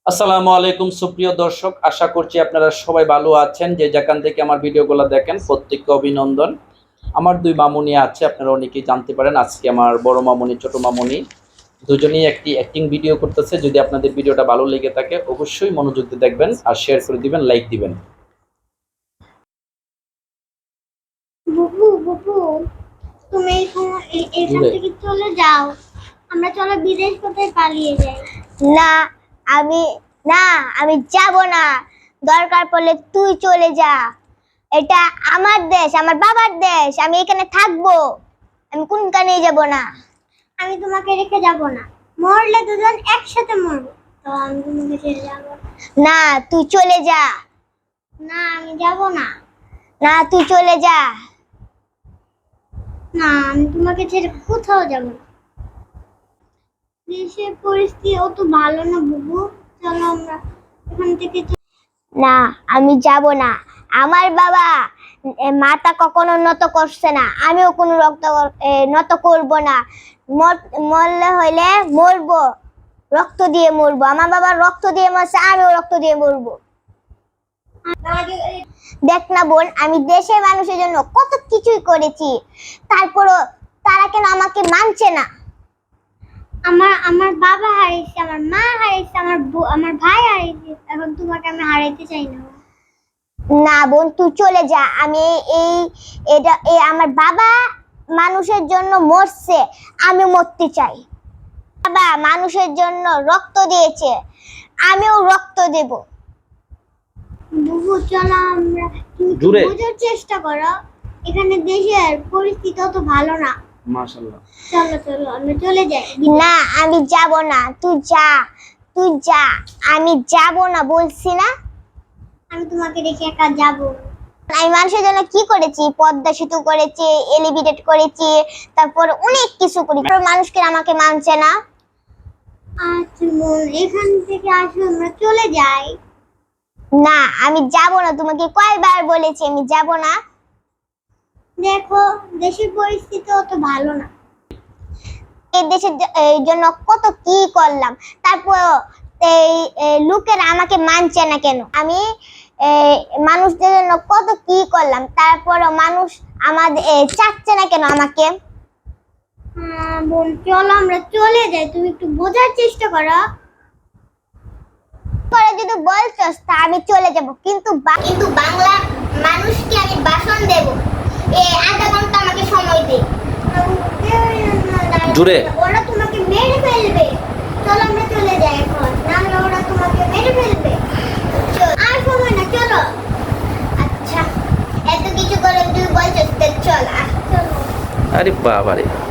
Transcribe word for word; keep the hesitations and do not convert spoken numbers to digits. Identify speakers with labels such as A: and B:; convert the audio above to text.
A: আসসালামু আলাইকুম সুপ্রিয় দর্শক, আশা করছি আপনারা সবাই ভালো আছেন। যে যেখান থেকে আমার ভিডিওগুলো দেখেন প্রত্যেককে অভিনন্দন। আমার দুই মামুনি আছে, আপনারা অনেকেই জানতে পারেন। আজকে আমার বড় মামুনি ছোট মামুনি দুজনেই একটি অ্যাক্টিং ভিডিও করতেছে। যদি আপনাদের ভিডিওটা ভালো লেগে থাকে অবশ্যই মনোযোগ দিয়ে দেখবেন আর শেয়ার করে দিবেন, লাইক দিবেন।
B: বুবু বুবু তুমি এখান থেকে চলে যাও, আমরা চলো বিদেশ কোথায় পালিয়ে যাই।
C: না আমি না আমি যাব না। দরকার পড়লে তুই চলে যা। এটা আমার দেশ, আমার বাবার দেশ, আমি এখানে থাকবো। আমি কোনখানে যাব না।
B: আমি তোমাকে রেখে যাব না, মরলে দুজন একসাথে মরবো, তো আমি তোমাকে ছেড়ে যাব
C: না। তুই চলে যা।
B: না আমি যাব না।
C: না তুই চলে যা।
B: না আমি তোমাকে ছেড়ে কোথাও যাব না। দেশের পরিস্থিতি অত ভালো না বুবু, চলো আমরা এখান থেকে।
C: না আমি যাব না। আমার বাবা এ, মাথা কখনো নত করছে না, আমিও কোনো রক্ত এ, নত করব না। মর- মরলে হইলে মরবো, রক্ত দিয়ে মরবো। আমার বাবা রক্ত দিয়ে মরছে, আমিও রক্ত দিয়ে মরবো। দেখ না বোন, আমি দেশের মানুষের জন্য কত কিছুই করেছি, তারপরও তারা কেন আমাকে মানছে না?
B: আমার আমার বাবা হারিয়েছে, আমার মা হারিয়েছে, আমার বউ- আমার ভাই হারিয়েছে, এখন তোমাকে আমি হারাইতে চাই না।
C: না বোন, তুই চলে যা। আমি এই এটা এই আমার বাবা মানুষের জন্য মরছে, আমি মরতে চাই। বাবা মানুষের জন্য রক্ত দিয়েছে, আমিও রক্ত দেব।
B: বুবু চলো আমরা, তুমি একটু
A: জুড়ে।
B: বোঝার চেষ্টা করো, এখানে দেশের পরিস্থিতি অত ভালো না।
A: মাশাআল্লাহ।
B: চলো চলো আমরা চলে যাই।
C: না আমি যাব না। তুই যা, তুই যা। আমি যাব না বলছি না।
B: আমি তোমাকে রেখে একা যাব।
C: আমি মানুষের জন্য কি করেছি? পদ্মা সেতু করেছি, এলিভেটেড করেছি, তারপর অনেক কিছু করেছি, তারপর মানুষকে আমাকে মানছে না।
B: আচ্ছা বোন, এখান থেকে আসো আমরা চলে যাই।
C: না আমি যাব না। তোমাকে কয়বার বলেছি আমি যাব না।
B: দেখো দেশের পরিস্থিতি অত ভালো না।
C: এই দেশের জ- এই জন্য কত কি করলাম, তারপর এই এই লোকেরা আমাকে মানছে না কেন? আমি এই মানুষদের জন্য কত কি করলাম, তারপরও মানুষ আমাদের এই চাচ্ছে না কেন আমাকে?
B: হ্যাঁ বোন চলো আমরা চলে যাই, তুমি একটু বোঝার চেষ্টা করো।
C: পরে যদি বলছস তা আমি চলে যাব, কিন্তু বা- কিন্তু বাংলা মানুষকে আমি ভাষণ দেব। এই আধা ঘন্টা আমাকে সময় দে।
A: জুড়ে।
B: ওরা তোমাকে মেরে ফেলবে, চলো আমরা চলে যাই এখন, নাহলে ওরা তোমাকে মেরে ফেলবে।
C: চল।
B: আর সময় না, চলো।
C: আচ্ছা, এত কিছু করে তুই বলছস, তা চল। আহ, চল।
A: আরে বাবারে।